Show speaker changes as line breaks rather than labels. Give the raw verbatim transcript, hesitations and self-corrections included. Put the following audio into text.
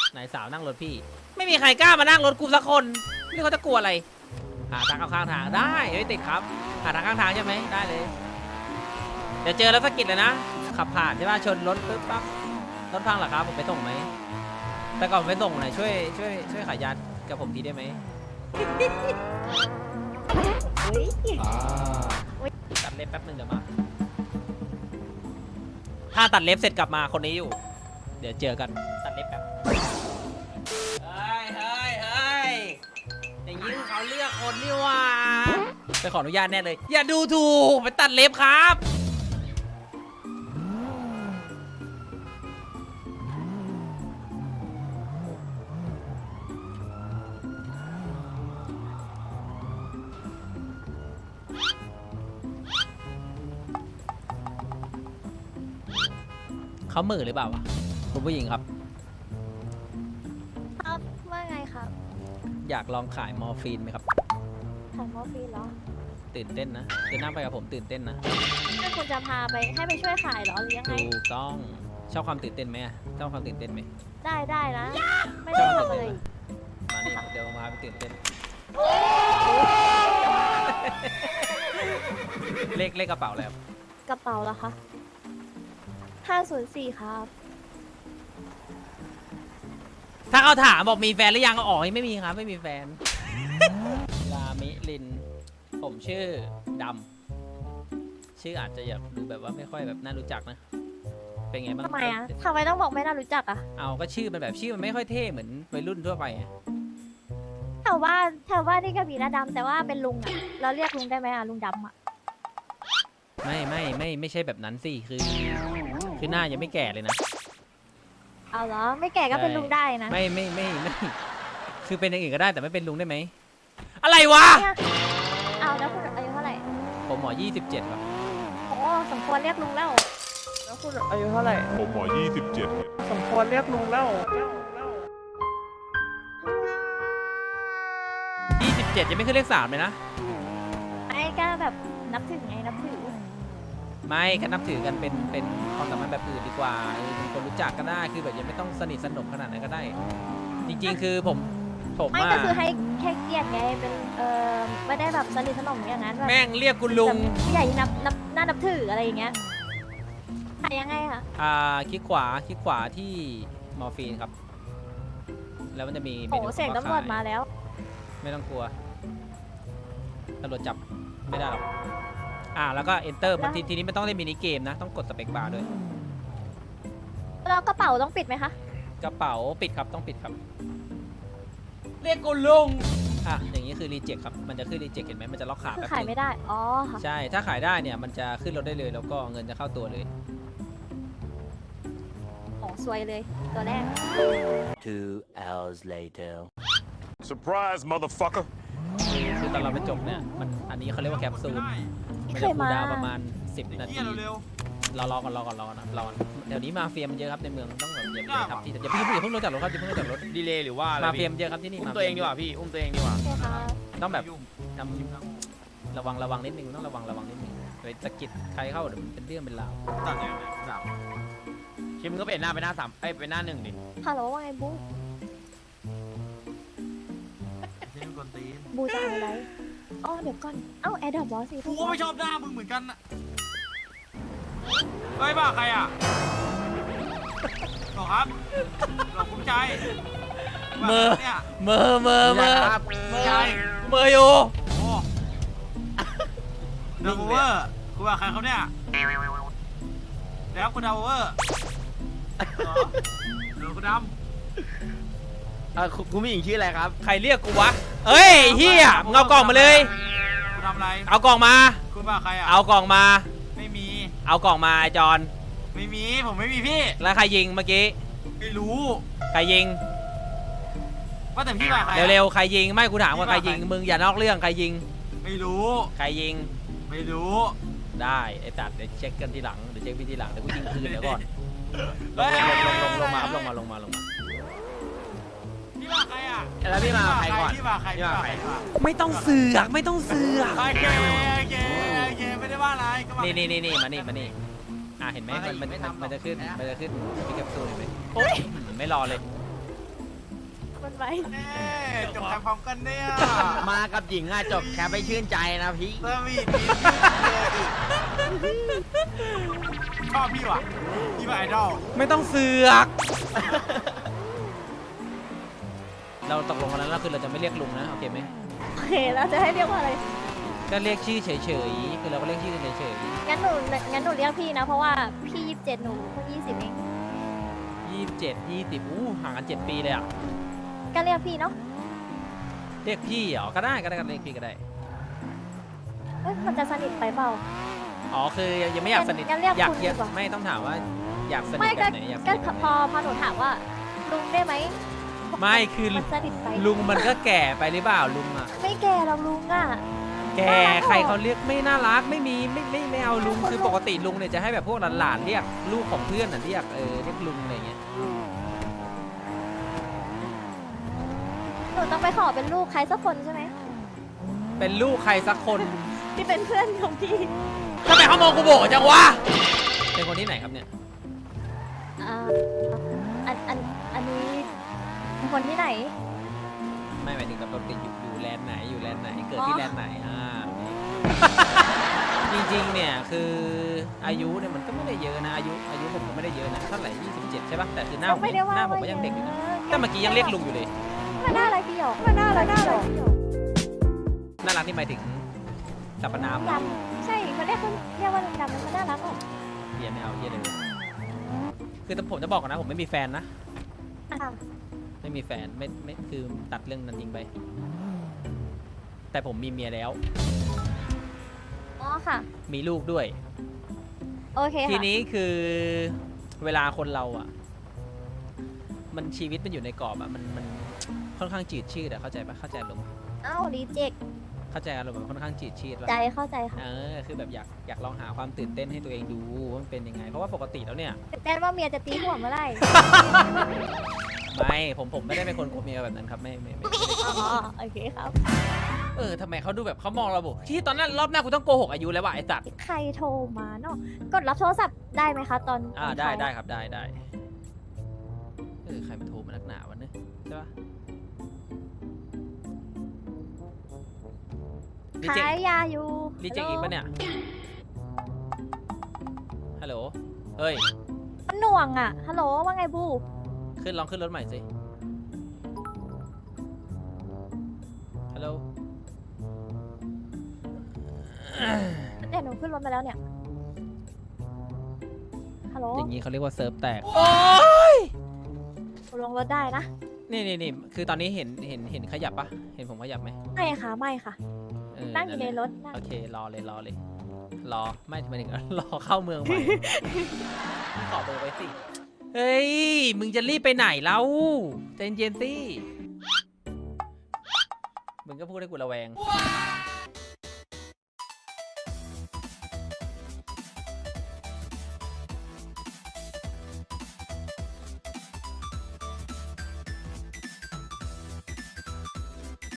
ไหนสาวนั่งรถพี่ไม่มีใครกล้ามานั่งรถกูสักคนนี่เขาจะกลัวอะไรหาทางเข้าข้างทางได้ไม่ติดครับหาทางข้างทางใช่ไหมได้เลยเดี๋ยวเจอแล้วสะกิดเลยนะขับผ่านใช่ป่ะชนรถปึ๊บปั๊บรถพังเหรอครับผมไปส่งไหมแต่ก่อนไปส่งหน่อยช่วยช่วยช่วยขายยากับผมทีได้ไหมตัดเล็บแป๊บนึงเดี๋ยวมาถ้าตัดเล็บเสร็จกลับมาคนนี้อยู่เดี๋ยวเจอกันตัดเล็บแป๊บเฮ้ยเฮ้ยเฮ้ยอย่างนี้เขาเลือกคนนี่ว่าไปขออนุญาตแน่เลยอย่าดูถูกไปตัดเล็บครับเขาเหม่อหรือเปล่าวะคุณผู้หญิงครับ
ครับว่าไงครับ
อยากลองขายมอร์ฟีนไหมครับ
ขายมอร์ฟีนเหรอ
ตื่นเต้นนะเดินหน้าไปกับผมตื่นเต้นนะ
ถ้าคุณจะพาไปให้ไปช่วยขายเหรอหรือยังไง
ถูกต้องชอบความตื่นเต้นไหมชอบความตื่นเต้นไหม
ได้ได้นะไม่ต้องทำอะไร
มานี่เดี๋ยวมาไปตื่นเต้นเลขเลขกระเป๋าแล้ว
กระเป๋าเหรอคะห้าศูนย์สี่ครับ
ถ้าเขาถามบอกมีแฟนหรือยังก็อ๋อไม่มีครับไม่มีแฟนลามิลินผมชื่อดำชื่ออาจจะอยากดูแบบว่าไม่ค่อยแบบน่ารู้จักนะเป็นไงบ้าง
ทำไมอ่ะทำไมต้องบอกไม่น่ารู้จักอ่ะ
เอาก็ชื่อมันแบบชื่อมันไม่ค่อยเท่เหมือนวัยรุ่นทั่วไป
แถวบ้านแถวบ้านนี่ก็มีนะดำแต่ว่าเป็นลุงอ่ะเราเรียกลุงได้ไหมอ่ะลุงดำอ่ะ
ไม่ไม่ไม่ไม่ใช่แบบนั้นสิคือคือหน้ายังไม่แก่เลยนะ
เอาเหรอไม่แก่ก็เป็นลุงได้นะ
ไม่ไม่ไม่ไม่คือเป็นอย่างอื่นก็ได้แต่ไม่เป็นลุงได้ไหมอะไรวะ
เอาแล้วคุณอายุเท่าไหร่
ผมหมอยี่สิบเจ็ดครับ
โอ้สมควรเรียกลุงแล้ว
แล้วคุณอายุเท่าไหร่
ผมหมอยี่สิบเจ็ด
สมควรเรียกลุงแล้ว
ยี่สิบเจ็ดยังไม่ขึ้นเลขสามเลยนะ
ไอ้ก็แบบนับถือไงนับถือ
ไม่ก็นับถือกันเป็นเป็นความสัมพันธ์แบบอื่นดีกว่าเป็นคนรู้จักก็ได้คือแบบยังไม่ต้องสนิทสนมขนาดนั้นก็ได้จริงๆคือผมผม
ไม่ก็คือให้แค่เกียรติไงเป็นเออไม่ได้แบบสนิทสนมอย่างนั้น
แม่งเรียกคุณลุง
ผู้ใหญ่นับนับน่านับถืออะไรอย่างเงี้ยขายยังไงคะ
อ่าคลิกขวาคลิกขวาที่มอร์ฟีนครับแล้วมันจะมี
โอ้เสียงตำรวจมาแล้ว
ไม่ต้องกลัวตำรวจจับไม่ได้หรอกอ่าแล้วก็ enter มันทีทีนี้ไม่ต้องเล่นมินิเกมนะต้องกดสเปคบาร์ด้วย
แล้วกระเป๋าต้องปิดไหมคะ
กระเป๋าปิดครับต้องปิดครับเรียกกูลุงอ่ะอย่างนี้คือรีเจ็คครับมันจะขึ้นรีเจ็คเห็นไหมมันจะล็อกขา
แบบขายไม่ได้อ๋อ
ใช่ถ้าขายได้เนี่ยมันจะขึ้นรถได้เลยแล้วก็เงินจะเข้าตัวเลย
โอ้สวยเลยตัวแรก
two hours later
surprise motherfucker
คือตอนเราไปจบเนี่ยมันอันนี้เขาเรียกว่าแคปซูลมันจะคูลดาวประมาณสิบนาทีรอรอก่อนรอก่อนรอก่อนรอเดี๋ยวนี้มาเฟียมันเยอะครับในเมืองต้องแบบอย่าไปทับที่อย่าพี่อย่าเพิ่งลงจากรถครับอย่าเพิ่งลงจากรถ
ดีเลยหรือว่า
มาเฟียมเยอะครับที่นี่
อุ้มตัวเองดีกว่าพี่อุ้มตัวเองดีกว่า
ต้องแบบทำระวังระวังนิดนึงต้องระวังระวังนิดนึงไปสะกิดใครเข้าเดี๋ยวมันเป็นเรื่องเป็นราว
ตัดเลยสามคิมก็เป็นหน้าไปหน้าสามเอ้ยไปหน้าหนึ่งดิ
ฮัลโหลว่าไงบูบูจะทำอะไรอ๋อเดี๋ยวก่อนเอ้าแอดดอปบอสสิ
กูก็ไม่ชอบหน้ามึงเหมือนกันนะเฮ้ยบ้าใครอ่ะหรอครับหรอคุ้มใจ
เมอเมอเมอเมอ
เมอ
เมออยู่
โอ้ดาวเวอร์คุณว่าใครเขาเนี่ยแล้วคุณดาวเวอร์หรอคุณดำอ่าคุณผู้หญิงชื่ออะไรครับ
ใครเรียกกูวะเฮ้ยเฮียมึงเอากล่องมาเลย
คุณทำอะไร
เอากล่องมา
คุณว่าใครอ่ะ
เอากล่องมา
ไม่มี
เอากล่องมาไอจอน
ไม่มีผมไม่มีพี่
แล้วใครยิงเมื่อกี้
ไม่รู้
ใครยิง
ว่าแต่พี่ว่าใคร
เร็วๆใครยิงไม่กูถามว่าใครยิงมึงอย่านอกเรื่องใครยิง
ไม่รู้
ใครยิง
ไม่รู้
ได้ไอ้ตัดเดี๋ยวเช็คกันทีหลังเดี๋ยวเช็คพี่ทีหลังเดี๋ยวกูยิงคืนเดี๋ยวก่อนลงลงลงลงมาครับลงมาลงมาลงมา
พี่ว่าใครอ่ะ
แล้วพี่มาใครก่อน
พี่ว่าใครพี่ว่าใคร
ไม่ต้องเสือกไม่ต้องเสือก
โอเคโอเคโอเคไม่ได้ว่าอะไร
นี่นี่นี่นี่มานี่มานี่อ่ะเห็นไหมมันมันมันจะขึ้นมันจะขึ้นพี่แคปซูลเห็นไหมโอ้ยไม่รอเลย
ไป
เอ๊ะจบการพร้อมกันเนี่ย
มากับหญิงอะจบแค่ไปชื่นใจนะพี่
สวีทดีเลยชอบพี่ว่ะพี่เป็นไอดอล
ไม่ต้องเสือก เราตกลงกันแล้วนะคือเราจะไม่เรียกลุงนะโอเคไหม
โอเคแล้วจะให้เรียกว่าอะไร
ก็เรียกชื่อเฉยๆคือเราก็เรียกชื่อเฉย
งั้นหนูงั้นหนูเรียกพี่นะ เพราะว่าพี่ยี่สิบเจ็ดหนูเพิ่งยี่สิบเอง
ๆยี่สิบเจ็ดยี่สิบอู้ห่างกันเจ็ดปีเลยอ่ะ
ก็เรียกพี่เนาะ
เรียกพี่เหรอก็ได้ก็ได้ก็เรียกพี่ก็ได้
เอ้ยมันจะสนิทไปเปล่า
อ๋อคือยังไม่อยากสนิท
งั้นเรียก
อยาก
คุณ
เรียก
ดีกว่า
ไม่ต้องถามว่าอยากสนิ
ไม่
ทแบ
ก็
บไหนอยากส
ก็
นิทแบบ
พอ
ไหน
พอหนูถามว่าลุงได้ไหม
ไม่คือ
มันสนิทไป
ลุงมันก็แก่ไปหรือเปล่าลุงอ่ะ
ไม่แก่หรอกลุงอ่ะ
แก
น่ารักเหรอ
ใครเขาเรียกไม่น่ารักไม่มีไม่ไม่ไม่เอาลุงคือปกติลุงเนี่ยจะให้แบบพวกหลานๆเรียกลูกของเพื่อนน่ะเรียกเออเรียกลุงอะไรเงี้ย
หนูต้องไปขอเป็นลูกใครสักคนใช่ไหม
เป็นลูกใครสักคน
ที่เป็นเพื่อนของพี่
ทำไมเขามองกูโบจังวะเป็นคนที่ไหนครับเนี่ย
อ่าอันอันอันนี้เป็นคนที่ไหน
ไม่หมายถึงแบบเราติดอยู่อยู่แลนด์ไหนอยู่แลนด์ไหนเกิดที่แลนด์ไหนอ่าจริงๆเนี่ยคืออายุเนี่ยมันก็ไม่ได้เยอะนะอายุอายุผมก็ไม่ได้เยอะนะเท่าไหร่ยี่สิบเจ็ดใช่ป่ะแต่คือหน้าผม
ไม่ได้ว่า
หน้าผมก็ยังเด็กอยู่นะ
ว่า
แต่เมื่อกี้ยังเรียกลุงอยู่เลย
มันน่าอะไรพี่หยกมันน่าอะไรพี่หยก
น่ารักที่หมายถึงสรรพนาม
ดำใช่เขาเรียกเขาเรียกว่าดำมันน่ารักอ่ะ
เฮียไม่เอาเฮียเลยคือผมจะบอกก่อนนะผมไม่มีแฟนนะ
อ่ะ
ไม่มีแฟนไม่ไม่คือตัดเรื่องนั้นทิ้งไป แต่ผมมีเมียแล้ว
อ๋อค่ะ
มีลูกด้วย
โอเค
ที
ค่ะ
นี้คือเวลาคนเราอ่ะ มันชีวิตมันอยู่ในกรอบอ่ะมันมันค่อนข้างจืดชืดอะเข้าใจปะเข้าใจลง
เอ้ารีเจค
เข้าใจอารมณ์แบบค่อนข้างจืดชืดปะ
ใจเข้าใจค่ะ
เออคือแบบอยากอยากลองหาความตื่นเต้นให้ตัวเองดูว่ามันเป็นยังไง เพราะว่าปกติแล้วเนี่ย
แต้ว่าเมียจะตีหัวเมื่อไหร่
ไม่ผมผมไม่ได้เป็นคนโกหกเมียแบบนั้นครับไม่ไม่ไม่ไม่ได้
อ๋อโอเคครับ
เออทำไมเขาดูแบบเขามองเราบอกที่ตอนนั้นรอบหน้ากูต้องโกหกอายุแล้วว่ะไอ้สัตว์
ใครโทรมาเนาะกดรับโทรศัพท์ได้ไหมคะตอน
อ่า
ตอน
ได้
ท้าย
ได้ครับได้ได้เออใครมาโทรมานักหนาวะเนี่ยใช่ปะรีเจ็ค
ขายยาอยู่
รีเจ็คอีกปะเนี่ยฮัลโหลเฮ้ย
มันหน่วงอ่ะฮัลโหลว่าไงบู
ขึ้นลองขึ้นรถใหม่สิฮัลโหล
เดี๋ยวหนูขึ้นรถมาแล้วเนี่ยฮัลโหล
อย่างนี้เขาเรียกว่าเซิร์ฟแตก
ลงรถได้นะ
นี่นี่นี่คือตอนนี้เห็นเห็นเห็นขยับปะเห็นผมขยับไหม
ไม่ค่ะไม่ค่ะ
เออ
นั่งอยู่ใน
แหละ
รถนั่ง
โอเครอเลยรอเลย รอไม่ทำไมถึง รอเข้าเมืองใหม่ ขอเบอร์ไว้สิ เฮ้ย มึงจะรีบไปไหนแล้วใจเย็นๆสิ มึงก็พูดให้กูระแวง